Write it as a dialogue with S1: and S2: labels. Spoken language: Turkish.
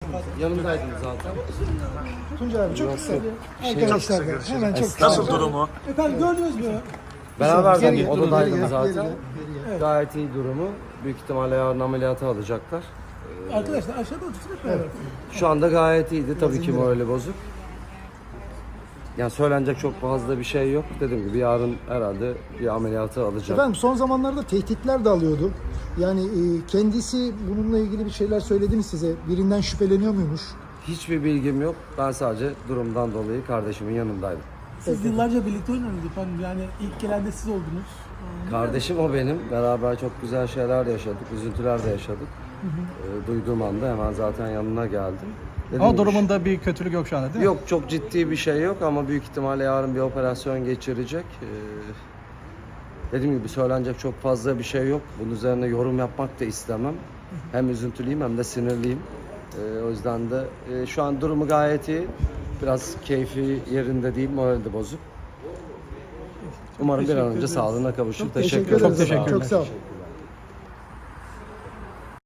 S1: Yanımdaydınız zaten.
S2: Tuncay abi çok kısa. Arkadaşlar da hemen çok kısa.
S3: Nasıl durumu?
S4: Efendim gördünüz mü?
S1: Beraber
S2: Geri-
S1: de odadaydım
S2: geri-
S1: zaten.
S2: geri-
S1: Gayet iyi durumu. Büyük ihtimalle yarın ameliyata alacaklar.
S4: Arkadaşlar aşağıda otursun hep beraber.
S1: Şu anda gayet iyiydi. Tabii ki morali bozuk. Yani söylenecek çok fazla bir şey yok. Dediğim gibi yarın herhalde bir ameliyata alacak.
S2: Efendim son zamanlarda tehditler de alıyordu. Yani kendisi bununla ilgili bir şeyler söyledi mi size? Birinden şüpheleniyor muymuş?
S1: Hiçbir bilgim yok. Ben sadece durumdan dolayı kardeşimin yanındaydım.
S4: Siz yıllarca birlikte oynadınız efendim. Yani ilk gelen de siz oldunuz.
S1: Kardeşim o benim. Beraber çok güzel şeyler de yaşadık. Üzüntüler de yaşadık. Duyduğum anda hemen zaten yanına geldim. Dediğim
S3: Ama
S1: gibi
S3: durumunda bir kötülük yok şu anda değil mi?
S1: yok, çok ciddi bir şey yok ama büyük ihtimalle yarın bir operasyon geçirecek. Dediğim gibi söylenecek çok fazla bir şey yok. Bunun üzerine yorum yapmak da istemem. Hem üzüntülüyüm hem de sinirliyim. O yüzden de şu an durumu gayet iyi. Biraz keyfi yerinde değil, morali de bozuk. Umarım bir an önce sağlığına kavuşur.
S2: Teşekkür ederiz.
S3: Çok teşekkürler.
S2: Çok sağ ol.